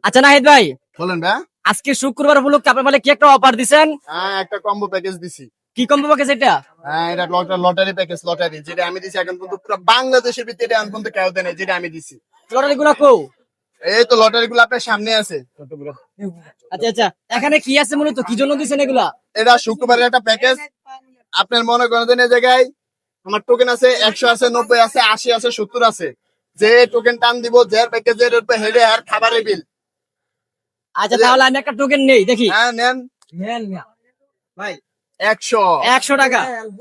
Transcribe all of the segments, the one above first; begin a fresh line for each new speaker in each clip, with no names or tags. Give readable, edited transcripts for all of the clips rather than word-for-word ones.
আচ্ছা নাহিদ ভাই,
বলেন ভাই।
আজকে শুক্রবার উপলক্ষে আপনার মানে কি একটা অফার দিছেন?
হ্যাঁ, একটা কম্বো প্যাকেজ দিছি।
কি কম্বো প্যাকেজ এটা?
হ্যাঁ, এটা লটারি প্যাকেজ, লটারি যেটা আমি দিছি এখন পর্যন্ত পুরো বাংলাদেশের ভিতরে এখন পর্যন্ত কেউ দেয় নাই, যেটা আমি দিছি।
লটারি গুলা কো?
এই তো লটারি গুলো আপনার সামনে আছে।
আচ্ছা আচ্ছা, এখানে কি আছে মূলত, কি জন্য দিছেন এগুলা?
এটা শুক্রবারের একটা প্যাকেজ। আপনার মনে করেন যে এই জায়গায় আমার টোকেন আছে 100 আছে, 90 আছে, 80 আছে, 70 আছে। যে টোকেন টান দিব, যে প্যাকেজের হেডে আর খাবারের বিল।
আচ্ছা তাহলে আমি একটা টোকেন নেই, দেখি।
হ্যাঁ নেন
ভাই
100
100 টাকা।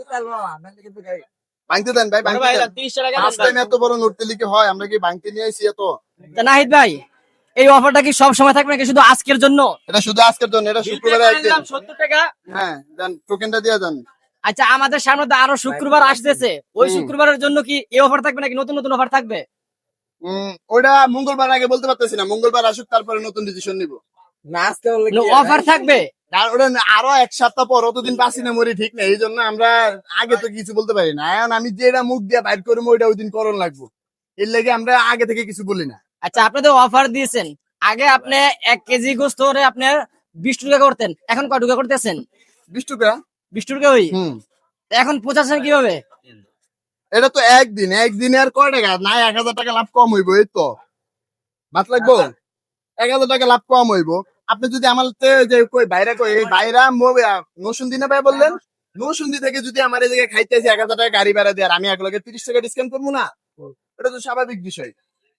ভাঙতে দেন ভাই,
বড়
ভাঙতে
ভাই,
দেন।
এটা 30 টাকা
ফার্স্ট টাইম এত বড় নোট লিখে হয়, আমরা কি ভাঙতে নিয়ে আইছি এত?
তা নাহিদ ভাই, এই অফারটা কি সব সময় থাকবে নাকি শুধু আজকের জন্য?
এটা শুধু আজকের জন্য, এটা শুক্রবারে একদিন।
70 টাকা।
হ্যাঁ দেন, টোকেনটা দিয়ে দেন।
আচ্ছা, আমাদের সামনে তো আরো শুক্রবার আসতেছে, ওই শুক্রবারের জন্য কি এই অফার থাকবে নাকি নতুন নতুন অফার থাকবে?
ওটা মঙ্গলবার আগে বলতে পারতেছি না, মঙ্গলবার আসুক তারপরে নতুন ডিসিশন নিব।
অফার থাকবে?
আর ওটা আরো এক সপ্তাহ পর, অতদিন বাঁচি না মরি ঠিক না, এই জন্য আমরা আগে তো কিছু বলতে পারি না। এখন আমি যেটা মুখ দিয়ে বাইর করবো ওইটা ওই দিন করণ লাগবো, এর লেগে আমরা আগে থেকে কিছু বলি না।
আচ্ছা, আপনি তো অফার দিয়েছেন, আগে আপনি 1 কেজি গোস্ত হলে আপনার 20 টাকা করতেন, এখন কয় টাকা করতেছেন?
20 টাকা।
20 টাকা ওই, এখন 85 কিভাবে?
এটা তো একদিনে আর কয় টাকা না, 1000 টাকা লাভ কম হইব, এই তো বাদ লাগবো। 1000 টাকা লাভ কম হইব। আপনি যদি আমার যে কই বাইরে কই, এই বাইরা নসুন্দি না ভাই বললেন, নসুন্দি থেকে যদি আমার এই জায়গায় খাইতেছি 1000 টাকা গাড়ি ভাড়া দিয়ে, আর আমি একলগে 30 টাকা ডিসকাউন্ট করবো না? এটা তো স্বাভাবিক বিষয়।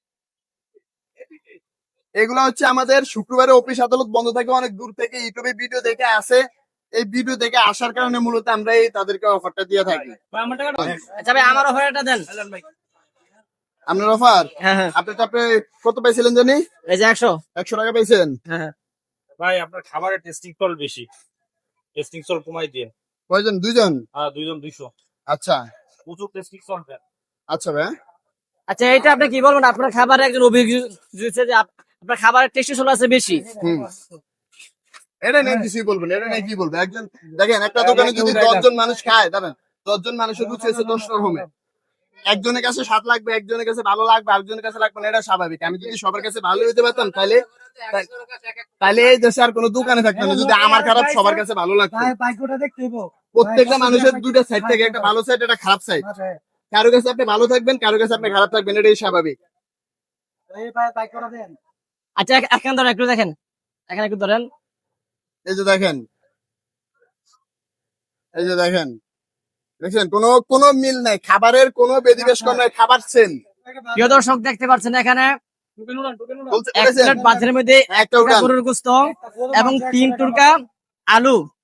এগুলা হচ্ছে আমাদের শুক্রবারে অফিস আদালত বন্ধ থাকে, অনেক দূর থেকে ইউটিউবে ভিডিও দেখে আসে। এই ভিডিও দেখে আসার কারণে মূলত আমরা এই তাদেরকে অফারটা দিয়ে থাকি।
আচ্ছা ভাই, আমার অফারটা দেন।
আপনার অফার?
হ্যাঁ হ্যাঁ,
আপনি কত পাইছিলেন জানি?
এই যে 100।
100 টাকা পাইছেন?
হ্যাঁ হ্যাঁ।
ভাই আপনার খাবারের টেস্টিং সল বেশি, টেস্টিং সল কমাই দিন।
কয়জন? দুইজন?
হ্যাঁ, 2 জন 200।
আচ্ছা
প্রচুর টেস্টিং সল দেন।
আচ্ছা ভাই।
আচ্ছা, এটা আপনি কি বলবেন, আপনার খাবারে একজন অভিযোগ দিয়েছে যে আপনার খাবারের টেস্টি সোল আছে বেশি।
এটা নিয়ে কিছুই বলবেন, এটা নিয়ে কি বলবো? একজন দেখেন, একটা দোকানে যদি 10 জন মানুষ খায়, দাঁড়ান, 10 জন মানুষের রুচি হচ্ছে 10 রকমের। একজনের কাছে স্বাদ লাগবে, একজনের কাছে ভালো লাগবে, আরেকজনের কাছে লাগবে না, এটা স্বাভাবিক। আমি যদি সবার কাছে ভালো হইতে পারতাম, তাহলে এই দেশে আর কোনো দোকানে থাকতো না। যদি আমার খারাপ সবার কাছে ভালো লাগতো, প্রত্যেকটা মানুষের দুইটা সাইড থাকে, একটা ভালো সাইড, একটা খারাপ সাইড। কারো কাছে আপনি ভালো থাকবেন, কারো কাছে আপনি খারাপ থাকবেন, এটাই স্বাভাবিক।
আচ্ছা, এখন ধরেন, একটু দেখেন, এখানে একটু ধরেন।
এই যে দেখেন, এই যে দেখেন, দেখছেন কোনো মিল নাই, খাবারের কোনো বেদিবেশ নাই, খাবার সেম।
প্রিয় দর্শক, দেখতে পাচ্ছেন এখানে এক
বলেছেন
প্লেট ভাতের মধ্যে
একটা উঠান।
গরুর গোস্ত এবং 3 টুকরা আলু